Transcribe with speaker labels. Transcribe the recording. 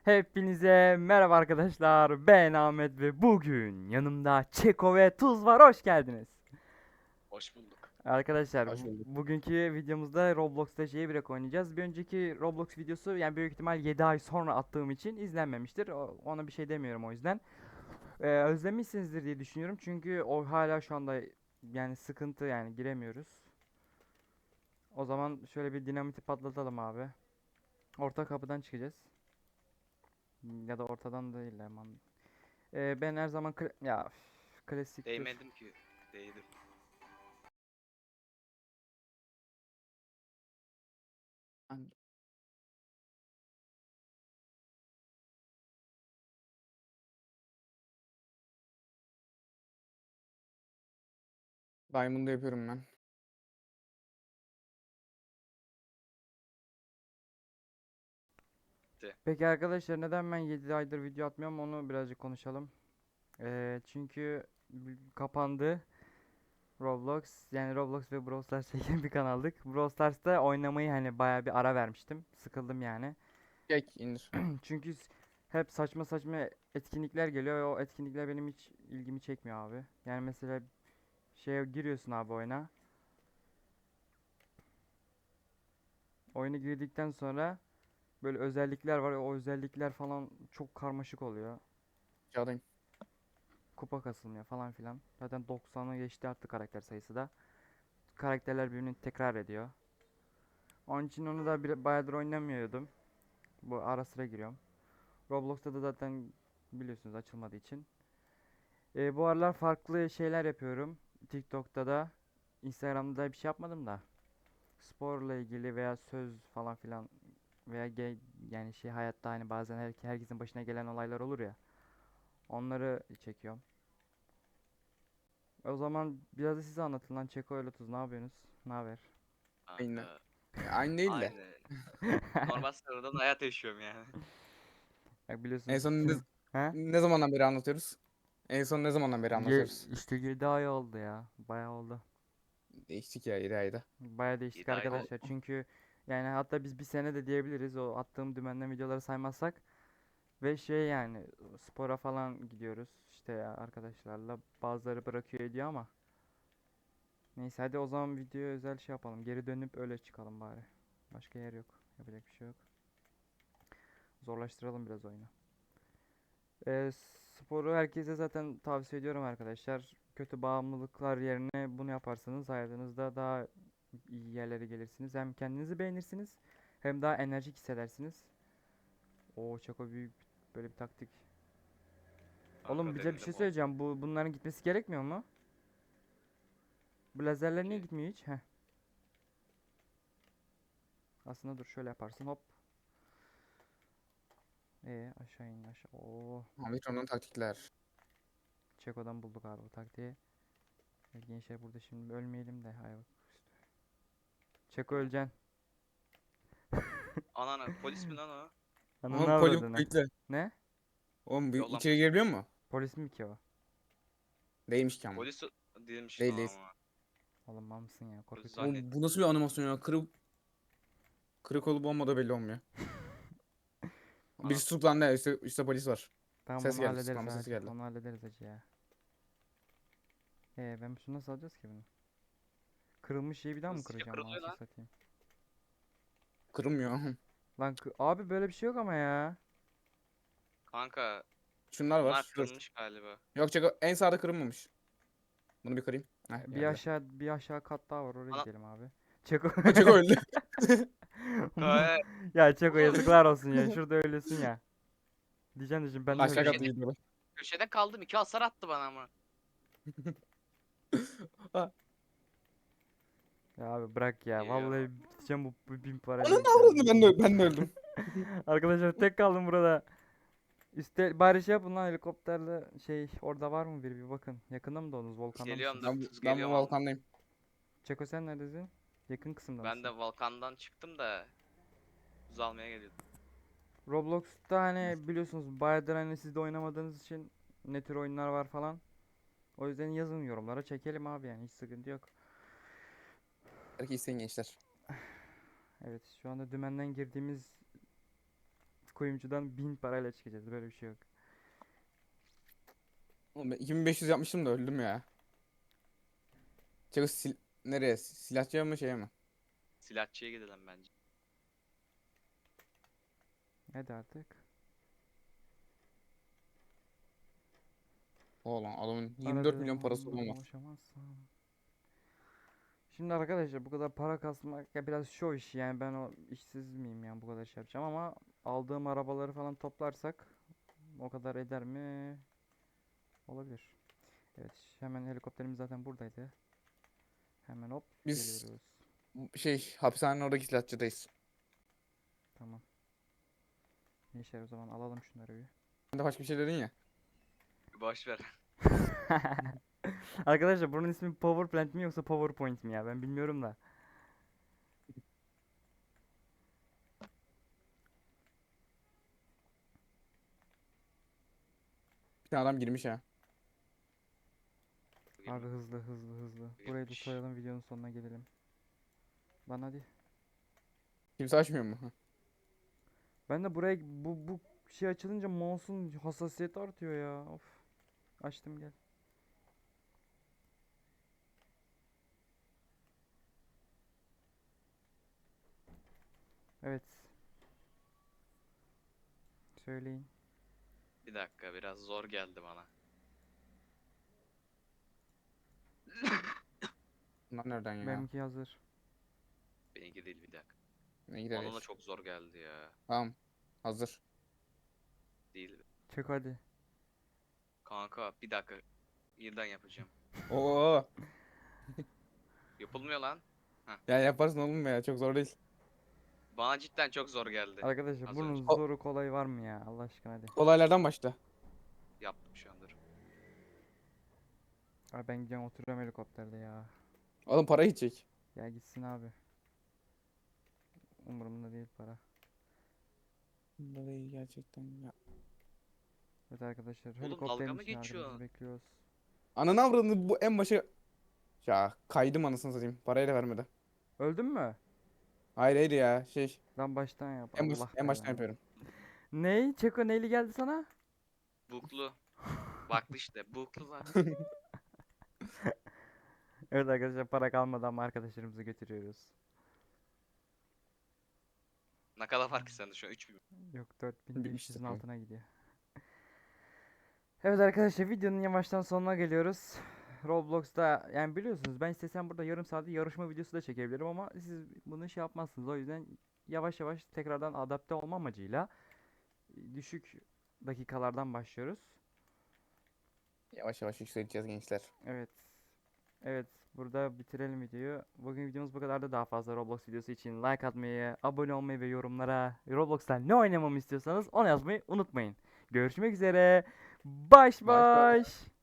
Speaker 1: Hepinize merhaba arkadaşlar. Ben Ahmet ve bugün yanımda Çeko ve Tuz var. Hoş geldiniz.
Speaker 2: Hoş bulduk.
Speaker 1: Arkadaşlar
Speaker 3: Hoş bulduk.
Speaker 1: bugünkü videomuzda Roblox'ta Jailbreak oynayacağız. Bir önceki Roblox videosu yani büyük ihtimal 7 ay sonra attığım için izlenmemiştir. Ona bir şey demiyorum o yüzden. Özlemişsinizdir diye düşünüyorum. Çünkü o hala şu anda yani sıkıntı yani giremiyoruz. O zaman şöyle bir dinamiti patlatalım abi. Orta kapıdan çıkacağız. Ya da ortadan değil aman. Ben her zaman ya klasiktir.
Speaker 2: Değmedim ki. Değdim.
Speaker 3: Hangi- Diamond'ı yapıyorum ben.
Speaker 1: Peki arkadaşlar neden ben 7 aydır video atmıyorum onu birazcık konuşalım. Çünkü kapandı Roblox. Yani Roblox ve Brawl Stars çeken bir kanaldık. Brawl Stars'ta oynamayı hani bayağı bir ara vermiştim. Sıkıldım yani.
Speaker 3: Çek indir.
Speaker 1: Çünkü hep saçma saçma etkinlikler geliyor ve o etkinlikler benim hiç ilgimi çekmiyor abi. Yani mesela şeye giriyorsun abi oyuna. Oyuna girdikten sonra böyle özellikler var. O özellikler falan çok karmaşık oluyor.
Speaker 3: Çağdayım.
Speaker 1: Kupa kasılmıyor falan filan. Zaten 90'ı geçti artık karakter sayısı da. Karakterler birbirini tekrar ediyor. Onun için onu da bayağıdır oynamıyordum. Bu ara sıra giriyorum. Roblox'ta da zaten biliyorsunuz açılmadığı için. Bu aralar farklı şeyler yapıyorum. TikTok'ta da, Instagram'da da bir şey yapmadım da. Sporla ilgili veya söz falan filan veya yani şey hayatta hani bazen herkesin başına gelen olaylar olur ya. Onları çekiyorum. O zaman biraz da size anlatın lan Çeko ile Tuz ne yapıyorsunuz? Ne haber?
Speaker 3: Aynı.
Speaker 2: Kanka.
Speaker 3: Aynı değil de.
Speaker 2: Aynı. Normal sıradan hayat yaşıyorum yani.
Speaker 1: Bak
Speaker 3: En
Speaker 1: biliyorsunuz
Speaker 3: son
Speaker 1: tüm he?
Speaker 3: ne zamandan beri anlatıyoruz? En son ne zamandan beri anlatıyoruz?
Speaker 1: İşte 7 ay oldu ya. Bayağı oldu.
Speaker 3: Değiştik ya 7 ayda.
Speaker 1: Bayağı değiştik
Speaker 2: 7 ayda.
Speaker 3: O,
Speaker 1: arkadaşlar. Çünkü yani hatta biz bir sene de diyebiliriz o attığım dümenden videoları saymazsak. Ve şey yani spora falan gidiyoruz işte ya arkadaşlarla. Bazıları bırakıyor ediyor ama. Neyse hadi o zaman videoya özel şey yapalım. Geri dönüp öyle çıkalım bari. Başka yer yok. Yapacak bir şey yok. Zorlaştıralım biraz oyunu. Ee, Sporu herkese zaten tavsiye ediyorum arkadaşlar. Kötü bağımlılıklar yerine bunu yaparsanız hayatınızda daha iyi yerlere gelirsiniz. Hem kendinizi beğenirsiniz hem daha enerjik hissedersiniz. Oo çok büyük böyle bir taktik. Oğlum
Speaker 2: Kanka
Speaker 1: bize bir
Speaker 2: denedim
Speaker 1: şey
Speaker 2: o.
Speaker 1: söyleyeceğim. Bunların gitmesi gerekmiyor mu? Bu lazerler niye
Speaker 2: Ki.
Speaker 1: gitmiyor hiç? Heh. Aslında dur şöyle yaparsın hop. Aşağı in aşağı. Oo.
Speaker 3: Omikron'un taktikler.
Speaker 1: Çeko'dan bulduk abi bu taktiği. Gençler burada şimdi ölmeyelim de. Hay bak. Çeko öleceksin.
Speaker 2: Anana polis mi lan o?
Speaker 1: Ananı
Speaker 3: Oğlum poli
Speaker 1: avradını.
Speaker 3: bekle.
Speaker 1: Ne?
Speaker 3: Oğlum
Speaker 2: Yok lan
Speaker 3: içeri
Speaker 2: polis.
Speaker 3: girebiliyor mu?
Speaker 1: Polis mi ki o?
Speaker 3: Değilmiş ki ama.
Speaker 2: Polis değilmiş
Speaker 3: Değil
Speaker 2: lan
Speaker 3: değil.
Speaker 2: ama.
Speaker 1: Oğlum mal mısın ya?
Speaker 2: Polis
Speaker 1: Korkutma beni.
Speaker 3: Oğlum bu
Speaker 2: zannettim.
Speaker 3: nasıl bir animasyon ya? Kırık olup olmadığı belli olmuyor.
Speaker 2: Ana.
Speaker 3: Birisi tutuklandı. Üstte polis var.
Speaker 1: Tamam
Speaker 3: Ses
Speaker 1: onu
Speaker 3: geldi.
Speaker 1: hallederiz
Speaker 3: Tutuklanma sesi
Speaker 1: hacı.
Speaker 3: geldi.
Speaker 1: Onu hallederiz hacı ya. Ben şunu nasıl alacağız ki bunu? Kırılmış şeyi bir daha mı
Speaker 2: Hızlıca
Speaker 1: kıracağım
Speaker 2: kırılıyor
Speaker 1: anasını
Speaker 2: lan.
Speaker 1: satayım?
Speaker 3: Kırılmıyor.
Speaker 1: Lan abi böyle bir şey yok ama ya.
Speaker 2: Kanka
Speaker 3: Şunlar
Speaker 2: bunlar
Speaker 3: var. Dur.
Speaker 2: kırılmış galiba.
Speaker 3: Yok çek en sağda kırılmamış. Bunu bir kırayım. Heh geldi.
Speaker 1: Bir aşağı kat daha var oraya
Speaker 2: Ana.
Speaker 1: gidelim abi. Çeko.
Speaker 3: Ha çek öldü.
Speaker 2: Kaya.
Speaker 1: Ya Çeko
Speaker 2: Oğlum
Speaker 1: yazıklar olsun ya. Şurada öylesin ya. Diyeceğim ben de
Speaker 3: Aşağı
Speaker 1: öldüm
Speaker 3: katta
Speaker 2: köşede,
Speaker 1: ya.
Speaker 3: gidiyor.
Speaker 2: köşede kaldım. 2 hasar attı bana ama.
Speaker 3: Ha,
Speaker 1: Ya abi bırak ya.
Speaker 2: Geliyor.
Speaker 1: Vallahi gideceğim bu 1000 parayla
Speaker 3: Onun
Speaker 1: gideceğim
Speaker 3: avradı
Speaker 1: ya.
Speaker 3: ben de öldüm.
Speaker 1: Arkadaşlar tek kaldım burada. Bari şey yapın lan helikopterle şey orada var mı biri bir bakın. Yakında mı doğdunuz? Volkanda
Speaker 2: Geliyorum
Speaker 1: mısınız?
Speaker 2: dur.
Speaker 3: Ben,
Speaker 2: Tuz
Speaker 3: ben bu
Speaker 2: geliyorum ama.
Speaker 3: Volkan'dayım.
Speaker 1: Çeko sen neredesin? Yakın kısımda
Speaker 2: Ben
Speaker 1: mısın?
Speaker 2: de Volkan'dan çıktım da tuz almaya geliyordum.
Speaker 1: Roblox'ta hani biliyorsunuz bayağıdır hani siz de oynamadığınız için ne tür oyunlar var falan. O yüzden yazın yorumlara çekelim abi yani hiç sıkıntı yok.
Speaker 3: Belki isteyin gençler.
Speaker 1: Evet şu anda dümenden girdiğimiz kuyumcudan 1000 parayla çıkacağız. Böyle bir şey yok.
Speaker 3: Oğlum ben 2500 yapmıştım da öldüm ya. Çeko nereye? Silahçıya mı şeye mi?
Speaker 2: Silahçıya gidelim bence.
Speaker 1: Hadi artık.
Speaker 3: Oğlum adamın 24
Speaker 1: Aradığım
Speaker 3: milyon parası
Speaker 1: anda
Speaker 3: olmaz.
Speaker 1: ulaşamazsam. Şimdi arkadaşlar bu kadar para kasmak ya biraz show işi, yani ben o işsiz miyim yani bu kadar şey yapacağım, ama aldığım arabaları falan toplarsak o kadar eder mi? Olabilir. Evet, hemen helikopterimiz zaten buradaydı. Hemen hop
Speaker 3: Biz
Speaker 1: geliyoruz.
Speaker 3: hapishanenin oradaki silahçıdayız.
Speaker 1: Tamam. Gençler o zaman alalım şunları bir.
Speaker 3: Sen de başka bir şey dedin ya.
Speaker 2: Boş ver.
Speaker 1: Arkadaşlar bunun ismi Power Plant mi yoksa PowerPoint mi ya, ben bilmiyorum da.
Speaker 3: Bir tane adam girmiş ha.
Speaker 1: Abi hızlı hızlı hızlı. Burayı da
Speaker 2: Girmiş.
Speaker 1: soyalım, videonun sonuna gelelim. Lan hadi.
Speaker 3: Kimse açmıyor mu? Hı.
Speaker 1: Ben de buraya bu şey açılınca mouse'un hassasiyeti artıyor ya. Of. Açtım, gel. Evet. Söyleyin.
Speaker 2: Bir dakika, biraz zor geldi bana.
Speaker 3: Bunlar nereden ya?
Speaker 1: Benimki hazır.
Speaker 2: Benimki değil, bir dakika.
Speaker 3: Ne
Speaker 2: Bana da
Speaker 3: gideriz?
Speaker 2: çok zor geldi ya.
Speaker 3: Tamam. Hazır.
Speaker 2: Değil.
Speaker 1: Çek hadi.
Speaker 2: Kanka bir dakika. Birden yapacağım.
Speaker 3: Oo.
Speaker 2: Yapılmıyor lan.
Speaker 3: Ya yaparsın oğlum ya. Çok zor değil.
Speaker 2: Bana cidden çok zor geldi.
Speaker 1: Arkadaşlar
Speaker 2: Az
Speaker 1: bunun
Speaker 2: önce.
Speaker 1: zoru kolay var mı ya? Allah aşkına hadi.
Speaker 3: Olaylardan başla.
Speaker 2: Yaptım şu andır.
Speaker 1: Abi ben gideceğim, oturuyorum helikopterde ya.
Speaker 3: Oğlum para gidecek.
Speaker 1: Ya gitsin abi. Umurumda değil para.
Speaker 3: Vallahi gerçekten ya.
Speaker 1: Evet arkadaşlar,
Speaker 2: Oğlum, dalga
Speaker 1: helikopterin
Speaker 2: mı
Speaker 1: için yardımınızı
Speaker 2: geçiyorsun?
Speaker 1: bekliyoruz.
Speaker 3: Ananı avradını bu en başa... Ya kaydım anasını satayım. Parayı da vermedi.
Speaker 1: Öldün mü?
Speaker 3: Hayır hayır ya.
Speaker 1: Lan baştan yap.
Speaker 3: En,
Speaker 1: Allah
Speaker 3: en baştan
Speaker 1: belanı.
Speaker 3: yapıyorum.
Speaker 1: Ney? Çeko neyli geldi sana?
Speaker 2: Buklu. Baktı işte. Buklu var.
Speaker 1: Evet arkadaşlar, para kalmadan ama arkadaşlarımızı götürüyoruz.
Speaker 2: Ne kadar var ki sende şu an? 3000.
Speaker 1: Yok,
Speaker 3: Bir işte
Speaker 1: 4500'ün
Speaker 3: tamam.
Speaker 1: altına gidiyor. Evet arkadaşlar, videonun yavaştan sonuna geliyoruz. Roblox'ta yani biliyorsunuz, ben istesem burada yarım saat yarışma videosu da çekebilirim ama siz bunu şey yapmazsınız. O yüzden yavaş yavaş tekrardan adapte olma amacıyla düşük dakikalardan başlıyoruz.
Speaker 3: Yavaş yavaş yükseleceğiz gençler.
Speaker 1: Evet. Evet, burada bitirelim videoyu. Bugün videomuz bu kadardı. Daha fazla Roblox videosu için like atmayı, abone olmayı ve yorumlara Roblox'ta ne oynamamı istiyorsanız onu yazmayı unutmayın. Görüşmek üzere. Baş
Speaker 3: Baş baş.
Speaker 1: baş.